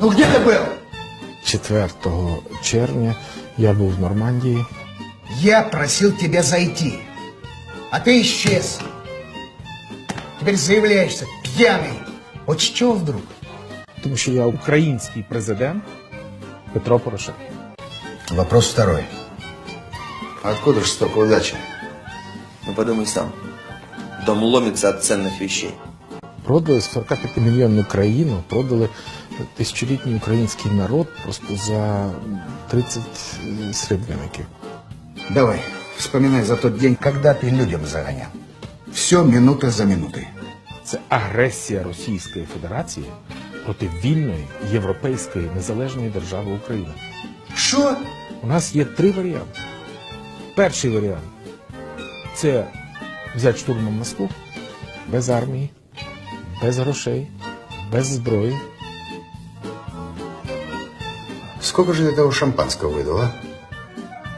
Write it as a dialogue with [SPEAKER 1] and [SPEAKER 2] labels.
[SPEAKER 1] Ну где ты был?
[SPEAKER 2] 4 червня я був в Нормандії.
[SPEAKER 1] Я просил тебя зайти, а ты исчез. Теперь заявляешься пьяный. Вот с чего вдруг?
[SPEAKER 2] Тому що я український президент Петро Порошенко.
[SPEAKER 1] Вопрос второй. Откуда же столько удачи?
[SPEAKER 3] Ну подумай сам. Дом ломится от ценных вещей.
[SPEAKER 2] Продали 45-мільйонну країну, продали тисячолітній український народ просто за 30 срібляників.
[SPEAKER 1] Давай, вспоминай за тот день, когда ты людям загонял. Все минута за минутой.
[SPEAKER 2] Це агресія Російської Федерації проти вільної європейської незалежної держави України.
[SPEAKER 1] Что?
[SPEAKER 2] У нас є 3 варіанти. Перший варіант – це взяти штурмом Москву без армії, без грошей, без зброї.
[SPEAKER 1] Сколько же ты того шампанского выдал, а?